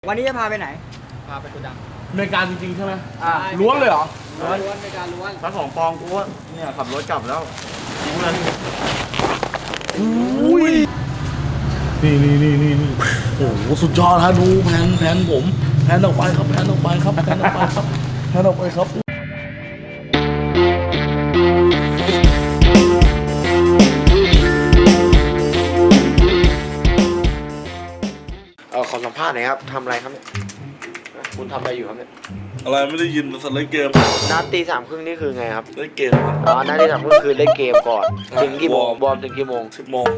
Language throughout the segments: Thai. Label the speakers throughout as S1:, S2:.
S1: วันนี้จะพาไปไหนพาไปโกดัง
S2: อเมริกาจริงๆใช่ไหมล้วงเลยเหรอ
S1: ล้วนอเมริกาล้วน
S3: ถ้าของปองกูว่าเนี่ยขับรถกลับแล้วทิ้งเลย
S2: อุ้ยนี่โอ้โหสุดยอดฮะดูแผนผมแผนออกไปครับแผนออกไปครับแผนออกไปครับแผนออกไปครับ
S3: ขอสัมภาษณ์หน่อยครับทำอะไรครับเนี่ยคุณทำอะไรอยู่ครับเนี่ย
S2: อะไรไม่ได้ยินสัตว์เล่นเกม
S3: นัดตี 3:30นี่คือไงครับ
S2: เล่นเกม
S3: นัดตี 3:30คือเล่นเกมก่อนถึงกี่โมงบอลถึงกี่โมง
S2: 10 โมง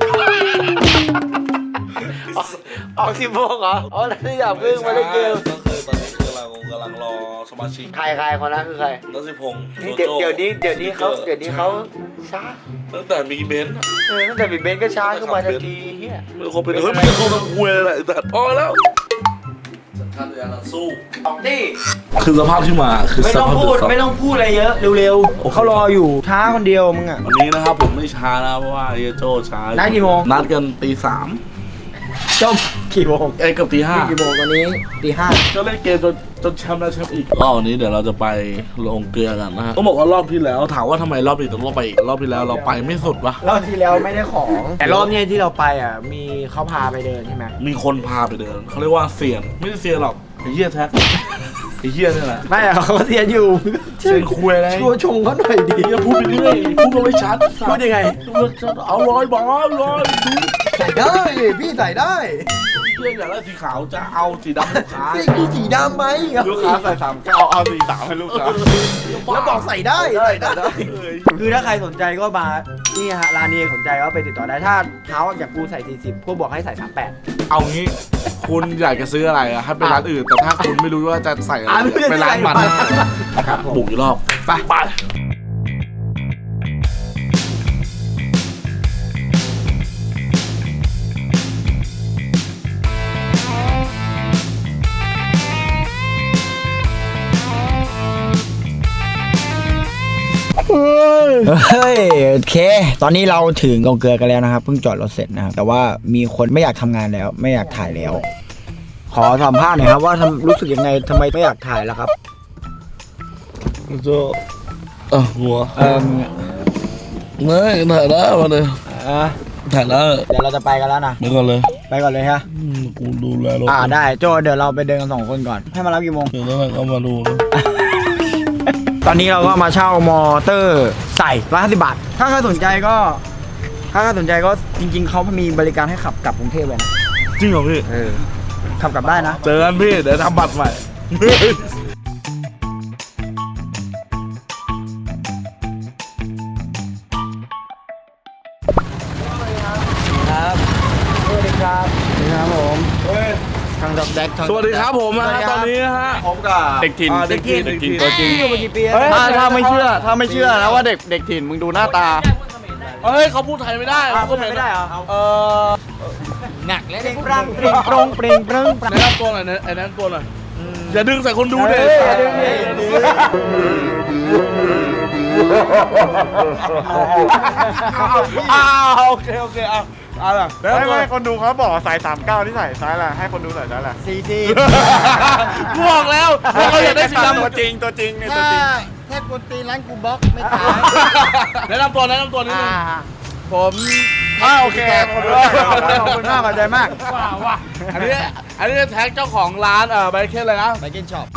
S3: ออก10 โมงเหรอนัดตี 3:30มาเล่นเกม
S2: ก็คือตอนนี้คือเรากำลังรอสมาชิก
S3: ใครคนนั้นคือใคร
S2: นัทสิพงษ์
S3: เดี๋ยวนี้เขาช้า
S2: ตั้งแต่มีเบนซ์
S3: ตั้งแต่มีเบนซ์ก็ช้าขึ้นมาทันทีเฮีย
S2: ไม่คงเป็นไม่คงต้องคุยอะไรแต่พอแล้วสัญชาตญาณสู้
S3: ออกดิ
S2: คือสภาพที่มาคือ
S1: ไม่ต้องพูดอะไรเยอะเร็วๆเขารออยู่ช้าคนเดียวมึงอ่ะ
S2: วันนี้นะครับผมไม่ช้านะเพราะว่าเอโจช้า
S1: นัดกี่โมง
S2: นัดกันตี 3
S1: จบกี่โมง
S2: เกือบตี 5
S1: กี่โมงตอนนี้ตี 5
S2: ก็เล่นเกมจนแชมป์แล้วแชมป์อีกรอบนี้เดี๋ยวเราจะไปลงเกลือกันนะฮะต้องบอกว่ารอบที่แล้วถามว่าทำไมรอบนี้ต้องไปอีกรอบที่แล้วเราไปไม่สุดวะ
S1: รอบที่แล้วไม่ได้ของแต่รอบนี้ที่เราไปอ่ะมีเขาพาไปเดินใช่ไหม
S2: มีคนพาไปเดินเขาเรียกว่าเซียนไม่ใช่เซียนหรอกไอ้เหี้ยแท็กไอ้เหี้ยนี่แหละ
S1: ไม่เขาเซียนอยู่
S2: เซียนคุยอะไร
S1: ชัวชงเขาหน่อยดี
S2: อย่าพูดไปเรื่อยพูดก็ไม่ชัด
S1: พูดยังไง
S2: เอาร้อย
S1: ใส่ได้พี่ใส่ได้
S2: เพื่อนอยากได้สีขาวจะเอาสีดำลูกค้า
S1: พี่สีดำไหม
S3: ลูกค้าใส่39เอา43ให้ลูกค้า
S1: แล้วบอกใส่ได้คือถ้าใครสนใจก็มานี่ฮะร้านนี้สนใจก็ไปติดต่อได้ถ้าเท้าอยากกูใส่40พวกบอกให้ใส่38
S2: เอางี้คุณอยากจะซื้ออะไรอะให้ไปร้านอื่นแต่ถ้าคุณไม่รู้ว่าจะใส่อะไรไปร้านมัน
S1: ครับ
S2: บุกอีกรอบไป
S1: เฮ้ยโอเคตอนนี้เราถึงลงเกลือกันแล้วนะครับเพิ่งจอดรถเสร็จนะครับแต่ว่ามีคนไม่อยากทำงานแล้วไม่อยากถ่ายแล้วขอสัมภาษณ์หน่อยครับว่ารู้สึกยังไงทำไมไม่อยากถ่ายแล้วครับ
S2: หัวไม่ถ่ายแล้วมาเลยถ่ายแล้ว
S1: เดี๋ยวเราจะไปกันแล้วนะ
S2: ไปก่อนเลย
S1: ฮะ
S2: กูดูแลรถ
S1: ได้โจเดี๋ยวเราไปเดินกัน2 คนก่อนให้มารับกี่โมง
S2: เดี๋ยวเรามาดู
S1: ตอนนี้เราก็มาเช่ามอเตอร์ใส่150 บาทถ้าใครสนใจก็จริงๆเขามีบริการให้ขับกลับกรุงเทพเลยนะ
S2: จริงเหรอพี่
S1: ขับกลับได้นะ
S2: เจอกันพี่เดี๋ยวทำบัตรใหม่
S1: ครับสวัสดีครับผมทางดอกแดก
S2: สวัสดีครับผมนะตอนนี้นะฮะ
S3: ผมกับ
S2: เด็กถิ่น
S1: ตัวจริงอยู่มากี่ปี
S3: ถ้าไม่เชื่อนะว่าเด็กถิ่นมึงดูหน้าตา
S2: เฮ้ยเขาพูดไทยไม่ได้
S1: พูดไม่ได้เหรอหนักแล้ว
S3: เปร่งแ
S2: นะนำตัวหน่อยไอ้นั่นตัวหน่อยอย่าดึงใส่คนดูเด็กโอเคล่ะ
S3: ไม่คนดูเขาบอกสาย39ที่ใส่ซ้ายละให้คนดูใส่ซ้ายละ
S2: 40บอกแล้วเขาอยากได้สีดำ
S3: ตัวจริง
S1: แค่กดตีร้านกูบล็อกไม่ขาย
S2: แนะนำตัวนิดนึง
S1: ผม
S3: โอเคข
S1: อบคุณมากขอบใจมาก
S2: ว้าอันนี้แท็กเจ้าของร้านไบเคนเลยนะ
S1: ไบเคนช็อป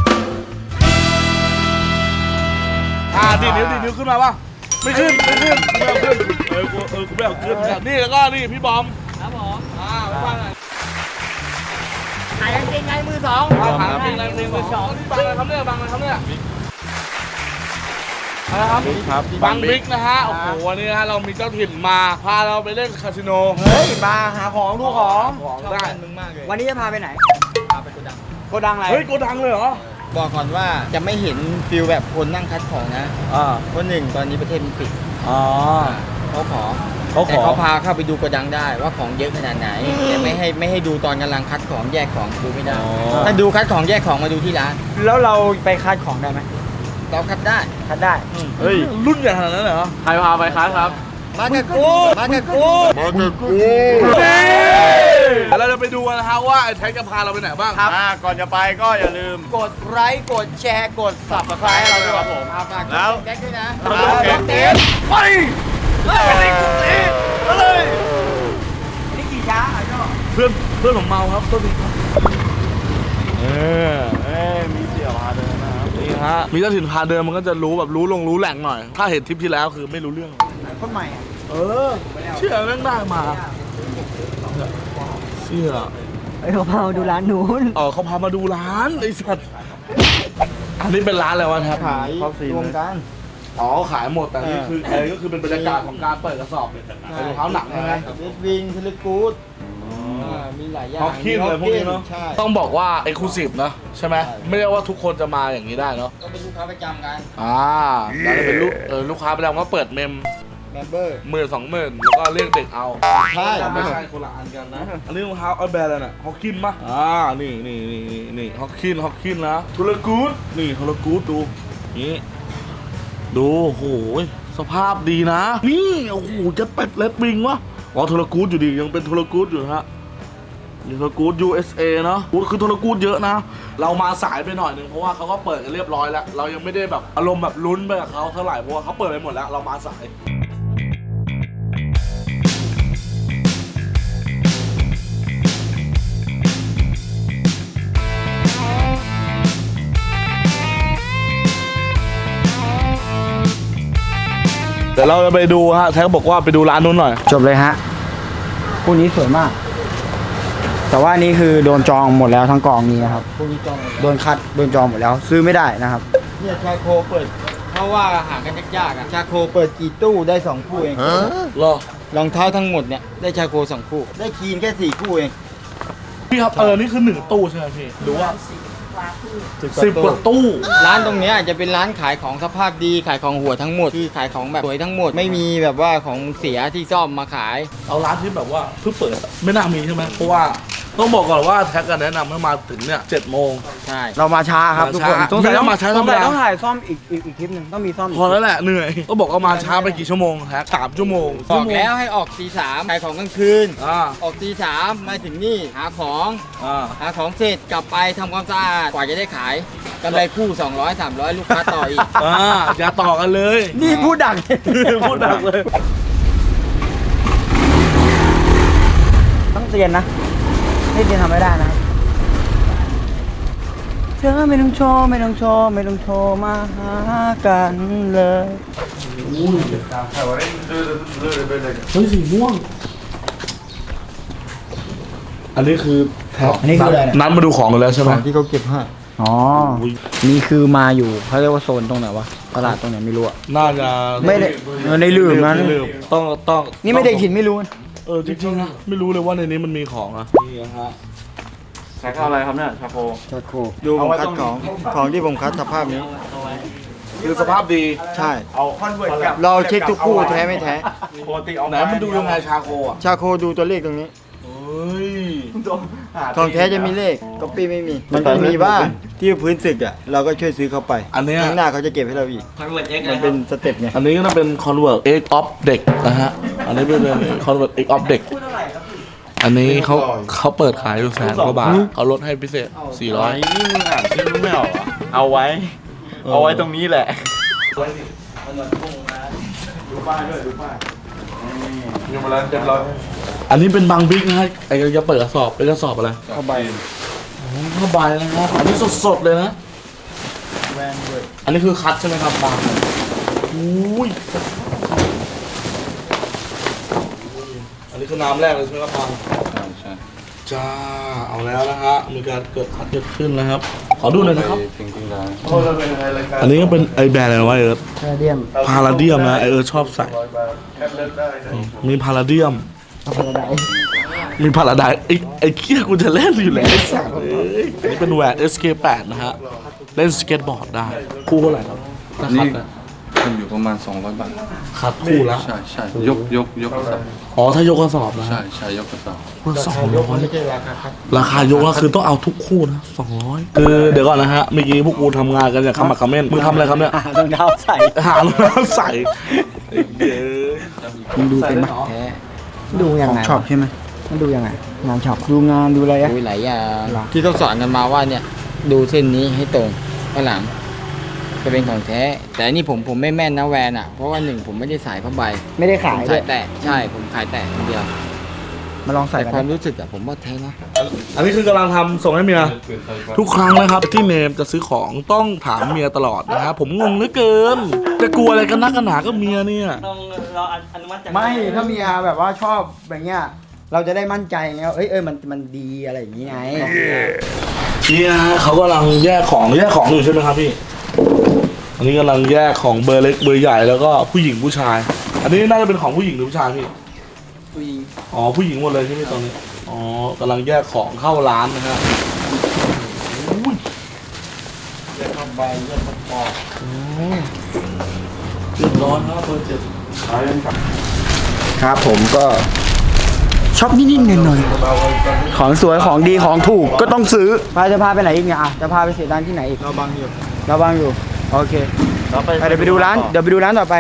S2: ดีนิ้วขึ้นมาป่ะไม่ขึ้นกูไม่เอาขึ้นนี่แล้วก็นี่พี่บอม
S1: ครับผม
S2: บ้านไหน
S1: ขายกางเกงในมือ 2
S2: ขายกางเกงในมือ 2บางอะไรครับเนี่ยบางบิ๊กนะฮะโอ้โหวันนี้ฮะเรามีเจ้าถิ่นมาพาเราไปเล่นคาสิโน
S1: เฮ้ยมาหาของดูของ
S2: ได้
S1: วันนี้จะพาไปไหนพาไปโกดังอะไร
S2: เฮ้ยโกดังเลยเหรอ
S1: บอกก่อนว่าจะไม่เห็นฟิลแบบคนนั่งคัดของนะเพราะ1ตอนนี้ประเทศมันปิดเขาแต่เขาพาเข้าไปดูโกดังได้ว่าของเยอะขนาดไหนแต่ไม่ให้ดูตอนกำลังคัดของแยกของดูไม่ได้ถ้าดูคัดของแยกของมาดูที่ร้านแล้วเราไปคัดของได้ไหมเราคัดได้
S2: เฮ้ยรุ่นใหญ่ขนาดนั้นเหรอ
S3: ใครพาไปคัดครับ
S1: มากับกู
S2: เราจะไปดูกันนะฮะว่าไอ้แท็กจะพาเราไปไหนบ้าง
S3: ก่อนจะไปก็อย่าลืม
S1: กดไลค์กดแชร์กด Subscribe ให้เราด้วยครับผมฝาก
S3: แล้ว
S1: แบ็คด้วยนะ
S3: โอเค
S1: เต้น
S2: ไปเลย
S1: นี่กี่ช้าอ่ะก็
S2: เพื่อนผมเมาครับต้นนี้ครับ
S3: มีเสี่ยวพาเดินนะครับ
S2: นี่ฮะมีเจ้าถิ่นพาเดินมันก็จะรู้แบบรู้แหล่งหน่อย ถ้าเห็นทริปที่แล้วคือไม่รู้เรื่อง
S1: คนใหม่อ่ะ
S2: เชื่อแม่งได้มาเชื่อ
S1: เขาพาดูร้านนู้น
S2: เขาพามาดูร้านไอ้สัตว์อันนี้เป็นร้านอะไรวะครับ
S1: ขายรวมกัน
S2: ขายหมดแต่นี่คือก็คือเป็นบรรยากาศของการเปิดกระสอบเป็นรองเท้าหนักใช่ไหม
S1: เวสวิงเทเลกูดมีหลายอย่าง
S2: ฮอกกี้อะไรพวกนี้เนาะ
S1: ใช่
S2: ต้องบอกว่าเอ็กซ์คลูซีฟนะใช่ไหมไม่ได้ว่าทุกคนจะมาอย่างนี้ได้เนาะ
S1: ก็เป็นลูกค้าประจำกัน
S2: แล้วจะเป็นลูกค้าประจำก็เปิดเมม
S1: เมมเบอร์
S2: 10,000-20,000แล้วก็เรียกเด็กเอา
S1: ใช่
S2: ไม่ใช่คนละอันกันนะอันนี้รองเท้าเอาแบรนด์อะไรน่ะฮอกกินปะนี่ฮอกกินนะทุลกูดนี่ทุลกูดดูนี่ดูโอ้โหสภาพดีนะนี่โอ้โหจะเป็ดเลดวิงวะทุลกูดอยู่ดียังเป็นทุลกูดอยู่นะฮะนี่ทุลกูด USA เนาะคือทุลกูดเยอะนะเรามาสายไปหน่อยนึงเพราะว่าเขาก็เปิดกันเรียบร้อยแล้วเรายังไม่ได้แบบอารมณ์แบบลุ้นไปกับเขาเท่าไหร่เพราะว่าเขาเปิดไปหมดแล้วเรามาสายเดี๋ยวเราจะไปดูฮะแท็กบอกว่าไปดูร้านนู้นหน่อย
S1: จบเลยฮะคู่นี้สวยมาก แต่ว่านี่คือโดนจองหมดแล้วทั้งกองนี้นะครับคู่นี้จองโดนคัดโดนจองหมดแล้วซื้อไม่ได้นะครับเนี่ยชาโคเปิดเพราะว่าหากันยากๆอ่ะชาโคเปิดกี่ตู้ได้2คู่เอง
S2: รอ
S1: รองเท้าทั้งหมดเนี่ยได้ชาโค2คู่ได้คีนแค่4คู่เอง
S2: พี่ครับนี่คือ1ตู้ใช่ไหมพี่หรือว่า10 กว่าตู้
S1: ร้านตรงเนี้ยจะเป็นร้านขายของสภาพดีขายของหัวทั้งหมดคือขายของแบบสวยทั้งหมดไม่มีแบบว่าของเสียที่ซ่อมมาขาย
S2: เอาร้านที่แบบว่าเพิ่งเปิดอะไม่น่ามีใช่ไหมเพราะว่าต้องบอกก่อนว่าแท็กกันแนะนำให้มาถึงเนี่ย7 โมง
S1: ใช่เรามาช้าครับทุกคน
S2: ไม่ต้องมาช้าธรรมดา
S1: ต้องถ่ายซ่อมอีกคลิปหนึ่งต้องมีซ่อม
S2: พอแล้วแหละเหนื่อยก็บอกว่ามาช้าไปกี่ชั่วโมงแท็ก3 ชั่วโมง
S1: บอกแล้วให้ออกตี 3ขายของกลางคืน
S2: อ่า
S1: ออกตี 3มาถึงนี่หาของ
S2: อ่า
S1: หาของเสร็จกลับไปทำความสะอาดกว่าจะได้ขายกำไรคู่200-300ลูกค้าต่ออีก
S2: อย่าต่อกันเลย
S1: นี่พูดดัง
S2: พูดดังเลย
S1: ต้องเรียนนะไม่เรียนทำไม่ได้นะเธอไม่ต้องโชว์ไม่ต้องโชว์ไม่ต้องโชว์มาหากันเลย
S2: เฮ้ยสีม่วงอันนี้คือแท็ก
S1: อันนี้คืออะไรเนี่ย
S2: นัดมาดูของกันแล้วใช่ไหม
S1: ที่เขาเก็บให้อ๋อนี่คือมาอยู่เขาเรียกว่าโซนตรงไหนวะตลาดตรงไหนไม่รู้อะ
S2: น่าจะ
S1: ไม่ได้ในลืมนะ
S2: ลืมต้อง
S1: นี่ไม่ได้ขินไม่รู้นะ
S2: จริงๆนะไม่รู้เลยว่าในนี้มันมีของนะนี่นะฮะ
S3: ใช้ข้าวอะไรครับเนี่ยชาโค
S1: ชาโคดูผมคัดของที่ผมคัดสภาพนี้
S2: คือสภาพดี
S1: ใช่
S3: เอาคอนเวิร์ตกับ
S1: เราเช็คทุกคู่แท้ไม่แท้
S3: ปกติเอา
S2: ไหนมันดูยังไงชาโคอ่ะ
S1: ชาโคดูตัวเลขตรงนี้
S2: เฮ้ย
S1: ของแท้จะมีเลขก๊อปปี้ไม่มี มันจะมีบ้างที่พื้นศึกอ่ะเราก็ช่วยซื้อเขาไป
S2: อันเนี้ย
S1: ข้างหน้าเขาจะเก็บให้เราอีก มันเป็นสเต็ปไง
S2: อันนี้ก็น่าเป็น Convert X of เด็กนะฮะอันนี้เป็น Convert X of เด็กอันนี้เขาเปิดขายอยู่100,000 กว่าบาทเขาลดให้พิเศษ 400
S3: นี่มึงอ่านชื่อไม่ออกเหรอเอาไว้ เอาไว้ตรงนี้แหละ ดูป้ายด้วยดูป้ายนี่มาแล้วเรียบร้อย
S2: อันนี้เป็นบางบิ๊กนะฮะไอ้จะเปิดกระสอบเป็นกระสอบอะไร
S1: เข้าใบ
S2: ผ้าใบนะครับอันนี้สดๆเลยนะ
S1: แวนด้วย
S2: อันนี้คือคัดใช่ไหมครับบางอุ้ยอันนี้คือน้ำแรกเลยใช่ไหมครับบาง
S3: ใช่
S2: จ้าเอาแล้วนะฮะมีการเกิดคัดเกิดขึ้นแล้วครับขอดูหน่อยนะครับ
S3: จริงๆแล้ว
S2: อันนี้ก็เป็นไอแบรนด์อะไรวะเอิร์ธ
S1: แคเดียม
S2: พาราเดียมนะไอเอิร์ธชอบใส่มีพาราเดียม
S1: เอาไปไหน
S2: มีพาราไดไอ้เคี้ยกูจะเล่นอยู่แล้วไอ้สัตว์เอ้ยอันนี้เป็นแหวน SK8 นะฮะเล่นสเก็ตบอร์ดได้คู่เท่าไหร่ครับถ้าคัดนะ
S4: มันอยู่ประมาณ200 บาท
S2: คัดคู่ละ
S4: ใช่ใช่ยกกระสอบ
S2: อ๋อถ้ายกกระสอบนะ
S4: ใช่ใช่ยกกระสอบ
S2: คู่ละ
S1: ยกมันไม่ใช่ราคาครับ
S2: 200ราคายกแล้วคือต้องเอาทุกคู่นะ200คือเดี๋ยวก่อนนะฮะเมื่อกี้พวกกูทำงานกันอย่างขมักเขม้นมึงทำอะไรครับเนี่ย
S1: รองเท้าใส่
S2: หารองเท้าใส่เย้
S1: มึงดูเป็นไหมแท้ดูยังไงชอบใช่ไหม
S5: มันดูยังไงงานช็อปดูงานดูอะไรอะ
S1: ดูหลายอย่าง
S5: หรอ
S1: ที่เขาสอนกันมาว่าเนี่ยดูเส้นนี้ให้ตรงข้างหลังจะเป็นของแท้ แต่อันนี่ผมไม่แม่นนะแวนอ่ะเพราะว่าหนึ่งผมไม่ได้สายผ้าใบ
S5: ไม่ได้
S1: ผ
S5: ขาย
S1: ม
S5: ด้ว
S1: สาย ยแต่ใช่ผมขายแต่คนเดียว
S5: มาลองใส่
S1: แต่
S5: กัน
S1: ความ
S5: นะ
S1: รู้สึกอะผมว่าแท้นะ
S2: อันนี้คือกำลังทำส่งให้เมีย ทุกครั้งนะครับที่เนมจะซื้อของต้องถามเมียตลอดนะครับผมงงเหลือเกิน จะกลัวอะไรกันนักกันหนาก็เมียเนี่ย
S1: ต้องรออนุมัติจาก
S5: ไม่ถ้าเมียแบบว่าชอบแบบเงี้ยเราจะได้มั่นใจไงว่าเอ้ยมันดีอะไรอย่างงี้ไง
S2: นี่นะฮะเขากำลังแยกของอยู่ใช่ไหมครับพี่ อันนี้กำลังแยกของเบอร์เล็กเบอร์ใหญ่แล้วก็ผู้หญิงผู้ชาย อันนี้น่าจะเป็นของผู้หญิงหรือผู้ชายพี่
S1: ผู้หญิง
S2: อ๋อผู้หญิงหมดเลยใช่ไหมตอนนี้ อ๋อกำลังแยกของเข้าร้านนะฮะอุ้ย
S1: เลือดเข้าใบเลือดเข้าปอด
S2: เรียบร้อยครับเบอร์เจ็ดขายกันครับ
S5: ครับผมก็ชอบนิดๆหน่อยๆของสวยของดีของถูกก็ต้องซื้อจะพาไปไหนอีกเนี่ยอ่ะจะพาไปเสียตังค์ที่ไหนอีก
S1: เราบางอยู่
S5: เราบางอยู่โอเค เดี๋ยวไปดูร้านต่อไป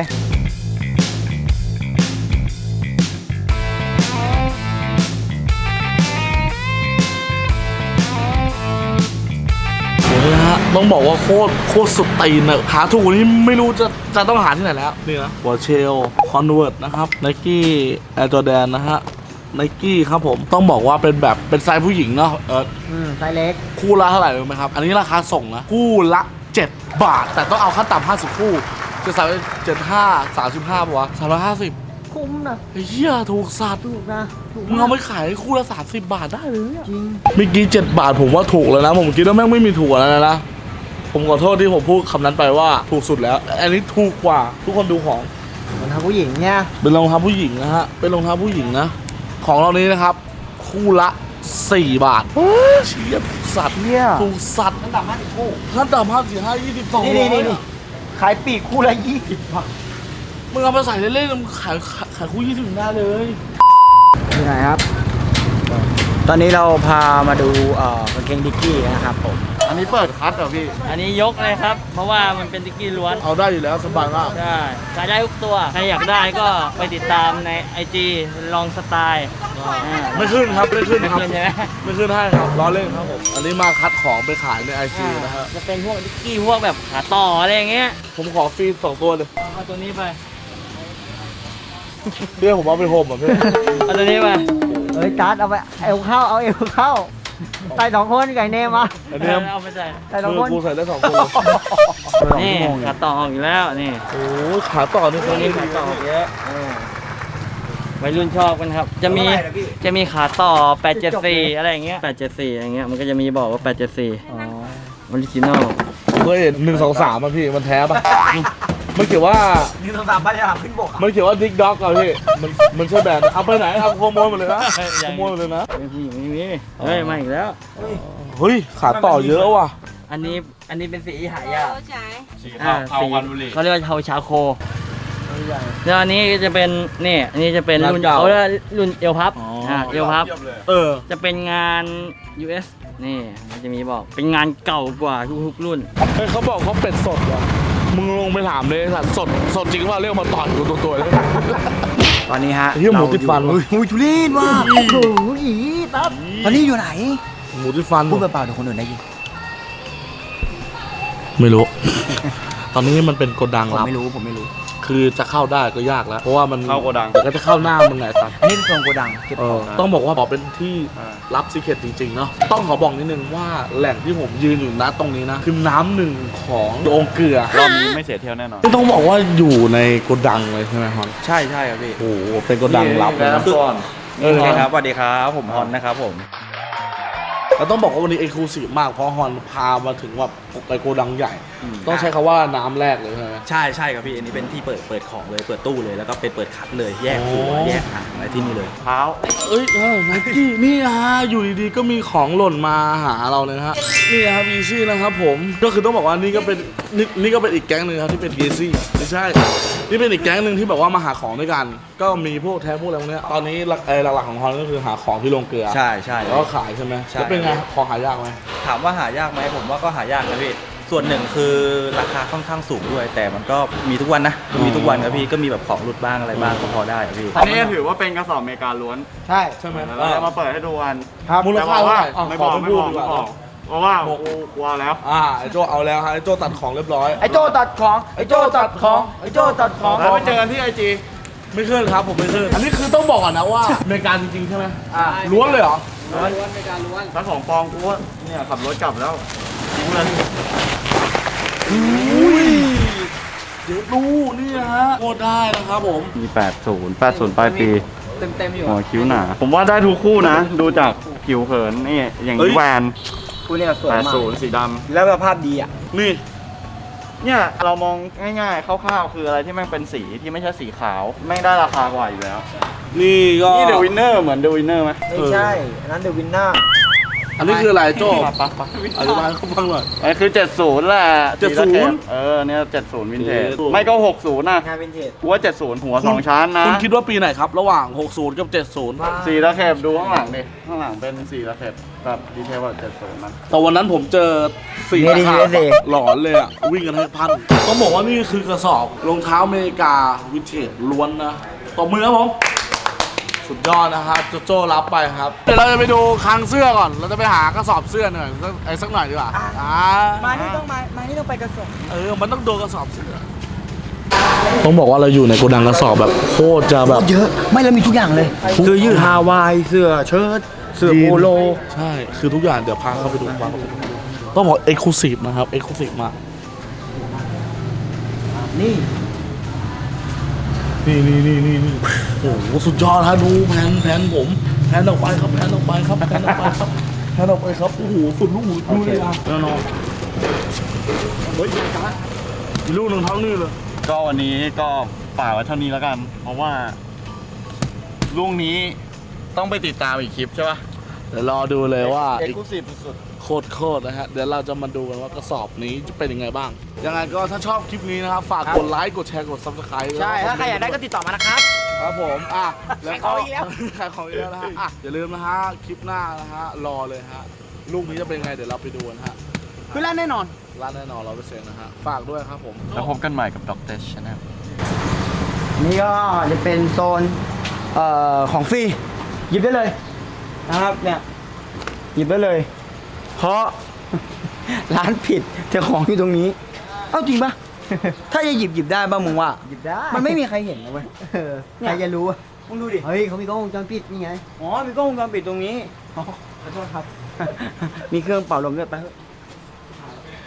S2: โอ้โหนะฮะต้องบอกว่าโคตรสุดตีนอะหาถูกกว่านี้ไม่รู้จะต้องหาที่ไหนแล้วนี่นะหัวเชลคอนเวิร์ตนะครับไนกี้แอร์จอแดนนะฮะไนกี้ครับผมต้องบอกว่าเป็นแบบเป็นไซส์ผู้หญิงเนาะ
S5: ไซส์เล็ก
S2: คู่ละเท่าไหร่รู้ไหมครับ อันนี้ราคาส่งนะคู่ละ 7 บาท แต่ต้องเอาขั้นต่ำ50 คู่จะใส่75 35ป่ะวะ350
S5: คุ้มนะ
S2: ไอ้เหี้ยถูกสัตว์
S5: ถูกนะถูก
S2: มึงเอาไปขายคู่ละ30 บาทได้เลย
S5: จริง
S2: เมื่อกี้7 บาทผมว่าถูกแล้วนะ ผมคิดว่าแม่งไม่มีถูกกว่านั้นนะ ผมขอโทษที่ผมพูดคำนั้นไปว่าถูกสุดแล้ว อันนี้ถูกกว่าทุกคนดูของ
S5: รองเท้าผู้หญิงเนี่ย
S2: เป็นรองเท้าผู้หญิงนะฮะ เป็นรองเท้าผู้หญิงนะ ของเรานี้นะครับ คู่ละ 4 บาทเชี่ยถูกสัตว์
S5: เนี่ย
S2: ถูกสัตว์
S5: ขั้นต่ำ50คู่
S2: ขั้นต่ำ50 22
S5: นี่ขายปีกคู่ละ20 บาท
S2: มึงเอาไปใส่เล่นๆมึงขายคู่20ได้เลย
S5: ที่ไหนครับ ตอนนี้เราพามาดูกางเกงดิกกี้นะครับผม
S2: อันนี้เปิดคัทเหรอพี่
S6: อันนี้ยกเลยครับ เพราะว่ามันเป็นติ๊กกี้ล้วน
S2: เอาได้อยู่แล้วสบายมาก
S6: ใช่ขายได้ทุกตัว ใครอยากได้ก็ไปติดตามใน IG ลองสไตล์
S2: ไม่ขึ้นครับไม่ขึ้น
S6: ไม่
S2: ครับ
S6: ขึ้นใช่ไหม
S2: ไม่ขึ้นให้ครับล้อเล่นครับผม อันนี้มาคัดของไปขายในไอจีนะฮะ
S6: จะเป็นพวกติ๊กกี้พวกแบบขาต่ออะไรอย่างเงี้ย
S2: ผมขอฟรี2 ตัวเลย
S6: เอาตัวนี้ไป
S2: เพื่อผมเอาไปโฮมอ่ะเพื่อน
S6: เอาตัวนี้ไป
S5: เอ้ยจัดเอาไปเอวเข้าเอาเอวเข้าใส่2 คนไก่เนมมา
S2: อันนี้
S6: เอาไปใส่
S5: ใส่2 คน
S2: กูใส่ได้2 ตัวเลย
S6: นี่ขาต่อออกอีกแล้วนี่
S2: โอ้ยขาต่อนี่
S6: ตัวนี้ขาต่อออกเยอะวัยรุ่นชอบกันครับ จะมีขาต่อ 874 อะไรอย่างเงี้ย 874 อย่างเงี้ย มันก็จะมีบอกว่า 874
S5: อ๋อ
S6: ออริจินอล
S2: เคยเห็น1 2 3อ่ะพี่มันแท้ปะมันเขียนว่า
S5: นี่ต้องตามบ้านยาขึ้นบก
S2: มันเขียนว่าดิกด็อกอ่ะพี่มันใช่แบรนด์เอาไปไหนเอาขโมยหมดเลยนะขโมยหมดเลยนะ
S6: ไม่มีไม่มีเฮ้ยมาอีกแล้ว
S2: เฮ้ยขาต่อเยอะว่ะ
S6: อันนี้เป็นสีหายาก
S4: สี
S6: อ่า
S4: เทา
S6: สี
S4: วันบุรี
S6: เขาเรียกว่าเทาชาโคแล้วอันนี้จะเป็นนี่อันนี้จะเป็นรุ่น
S2: เก่า
S6: เขาเรียกว่ารุ่นเอลพับ
S2: อ๋ออ่
S6: เอลพับ
S2: เออ
S6: จะเป็นงาน US นี่มันจะมีบอกเป็นงานเก่ากว่าทุกๆรุ่น
S2: เฮ้ยเขาบอกเขาเป็ดสดว่ะมึงลงไปถามเลยสัตว์สดจริงว่าเรียกมาต่อยตัวเลย
S5: ตอนนี้ฮะ
S2: เหี้ยหมูติดฟันว่ะ
S5: อุ้ยทุเรศว่ะโอ้โหอีปั๊บตอนนี้อยู่ไหน
S2: หมูที่ฟัน
S5: พูดเปล่าๆเดี๋ยวคนอื่นได้ยิน
S2: ไม่รู้ ตอนนี้มันเป็นโกดัง
S5: ผม
S2: ลับ
S5: ไม่รู้ผมไม่รู้
S2: คือจะเข้าได้ก็ยากแล้ว เพราะว่ามัน
S4: เข้าโกดัง
S2: เดี๋ยวก็จะเข้าหน้ามึงไงสัตว์
S5: อันนี้เป็นโซนโกดังเก็บของ
S2: ต้องบอกว่าบอกเป็นที่รับซีเคร็ตจริงๆเนาะต้องขอบอกนิดนึงว่าแหล่งที่ผมยืนอยู่นะตรงนี้นะคือน้ำหนึ่งขององค์เกลือ
S4: รอบนี้ไม่เสียเที่ยวแน่นอน
S2: ที่ต้องบอกว่าอยู่ในโกดังเลยใช่ไหมฮอน
S7: ใช่ใช่ครับพี่
S2: โอ้โหเป็นโกดังลับเลยนะ
S7: โอเคครับสวัสดีครับผมฮอนนะครับผม
S2: เราต้องบอกว่าวันนี้เอ็กซ์คลูซีฟมากเพราะฮอนพามาถึงแบบไปโกดังใหญ่ ต้องใช้คำว่าน้ำแรกเลยใช่ไหม
S7: ใช่ใช่ครับพี่อันนี้เป็นที่เปิดของเลยเปิดตู้เลยแล้วก็เป็นเปิดคัดเลยแยกหัว
S2: โอ้
S7: แยกหางอะไรที่นี่เลย
S6: เท้า
S2: เอ้ยไนกี้นี่ฮะอยู่ดีๆก็มีของหล่นมาหาเราเลยนะฮะนี่ครับอีซี่นะครับผมก็คือต้องบอกว่านี่ก็เป็นนี่ก็เป็นอีกแก๊งหนึ่งครับที่เป็นเอซี่ไม่ใช่นี่เป็นอีกแก๊งหนึ่งที่แบบว่ามาหาของด้วยกัน ก็มีพวกแท้พวกอะไรพวกเนี้ยตอนนี้หลักๆของฮอนก็คือหาของที่โรงเกลือ
S7: ใช่ใช่
S2: แล้วก็ขายใช่ไหม
S7: ใช่
S2: แล้วเป็นไงของหายากไหม
S7: ถามว่าหายากไหมผมว่าก็หายากนะพี่ส่วนหนึ่งคือราคาค่อนข้างสูงด้วย แต่มันก็มีทุกวันนะมีทุกวันครับพี่ก็มีแบบของหลุดบ้างอะไรบ้างก็พอได้ครับพี่
S5: อันนี้ถือว่าเป็นกระสอบอเมริกาล้วน ใช่
S2: ใช่ไหม
S5: เราจะมาเปิดให้ดูกัน
S2: มูลค่าเท่าไหร่
S5: ไม่บอก
S2: ข
S5: ไม่
S2: พู
S5: บ
S2: ด
S5: อก
S2: ดีก
S5: ไม่
S2: ว่า
S5: บอกเพราะว่ากูกลัวแล้ว
S2: ไอ้โจเอาแล้วฮะไอ้โจตัดของเรียบร้อย
S5: ไอ้โจตัดของไอ้โจตัดของไอ้โจตัดของแล้วไปเจอกันที่ไอจี
S2: ไม่ขึ้นครับผมไม่ขึ้นอันนี้คือต้องบอกก่อนนะว่าอเมริกาจริงๆใช่ไหมล้วนเลยเหรอ
S5: ถ้าของปลอมกูว่าเนี่ยขับรถกลับแล้วทิ้งเลย
S2: เดี๋ยวดูนี่นะฮะโคตรได้นะครับผม
S6: มี 80 ปลายปี
S1: เต็มๆอยู่
S6: หัวคิ้วหนา ผมว่าได้ทุกคู่นะ ดูจากผิวเผินนี่อย่าง
S2: เอ้
S6: นี้
S2: ย
S6: แวน
S5: กูเนี่ยสวยมาก
S6: 80 สีด
S5: แล้วสภาพดีอ่ะ
S2: นี่
S6: ำเนี่ยเรามองง่ายๆคร่าวๆคืออะไรที่แม่งเป็นสีที่ไม่ใช่สีขาวแม่งได้ราคากว่าอยู่แล้ว
S2: นี่ก็
S6: นี่เดอะวินเนอร์เหมือนเดอะวินเนอร์ไหม
S5: ไม่ใช่ อันนั้นเดอะวินเนอร์
S2: อันนี้คืออะไรโจ
S6: ปะ
S2: อธิบายให้เขาฟังหน่อย
S6: อันนี้คือ 70 แหละ
S2: 70
S6: เนี่ย 70 วินเทจ
S2: 70
S6: ไม่ก็ 60 นะ
S5: งานวินเทจ
S6: กูว่า 70 หัว 2 ชั้นนะ
S2: คุณคิดว่าปีไหนครับ ระหว่าง 60 กับ 70
S6: สีตะเข็บดูข้างหลังดิ ข้างหลังเป็นสีตะเข็บแบบดีเทลแบบ70นะ
S2: แต่วันนั้นผมเจอสีราคาหลอนเลยอ่ะ วิ่งกันให้พันต้องบอกว่านี่คือกระสอบรองเท้าอเมริกาวินเทจล้วนนะตบมือครับผม สุดยอดนะครับโจรับไปครับ เดี๋ยวเราจะไปดูคลังเสื้อก่อน เราจะไปหากระสอบเสื้อหน่อยสักหน่อยดีกว่ามานี่ต้องไปกระสอบมันต้องโดนกระสอบเสื้อต้องบอกว่าเราอยู่ในโกดังกระสอบแบบโคตรจะแบบ
S5: เยอะ ไม่แล้วมีทุกอย่างเลยเสื้อยืดฮาวาย เสื้อเชิ้ตเสื้อโปโล
S2: ใช่ คือทุกอย่างเดี๋ยวพาเข้าไปดูบ้างต้องบอกเอ็กซ์คลูซีฟนะครับเอ็กซ์คลูซีฟมาก
S5: นี่
S2: นี่โอ้โหสุดยอดฮะดูแผนผมแผนออกไปครับแผนออกไปครับแผนออกไปครับแผนออกไปครับโอ้โหสุดลูกหูดูเลยอ่ะแน่นอนเฮ้ยอีกลูกหนึ่งเท่านี้เลย
S6: ก็วันนี้ก็ฝากไว้เท่านี้แล้วกัน เพราะว่าลูกนี้ต้องไปติดตามอีกคลิปใช่ปะ
S2: เดี๋ยวรอดูเลยว่า
S6: เอ็กซ์คลูซีฟสุด
S2: โคตรนะฮะเดี๋ยวเราจะมาดูกันว่ากระสอบนี้จะเป็นยังไงบ้างยังไงก็ถ้าชอบคลิปนี้นะครับฝากกดไลค์กดแชร์กด Subscribe
S5: ใช่ ถ้าใครอยากได้ก็ติดต่อมานะครับ
S2: ครับผมแล้วก็
S5: ขายของอีกแล้ว
S2: ขายของอีกแล้วนะฮะอย่าลืมนะฮะคลิปหน้านะฮะรอเลยฮะลูกนี้จะเป็นไงเดี๋ยวเราไปดูกันฮะ
S5: คือร้านแน่นอน
S2: ร้านแน่นอน100%นะฮะฝากด้วยครับผม
S6: แล้วพบกันใหม่กับด็อกเตอร์ชาแนล
S5: นี่ก็จะเป็นโซนของฟรีหยิบได้เลยนะครับเนี่ยหยิบได้เลย เพราะ ร้านผิดแต่ของอยู่ตรงนี้ เอ้าจริงปะ ถ้าจะหยิบได้ป่ะมึงว่าหยิบได้มันไม่มีใครเห็นนะเว้ยใครจะรู้อะมึงดูดิเฮ้ยเขามีกล้องวงจรปิดนี่ไงอ๋อมีกล้องวงจรปิดตรงนี้อ๋อขอโทษครับ มีเครื่องเป่าลมด้วยไปเถอะ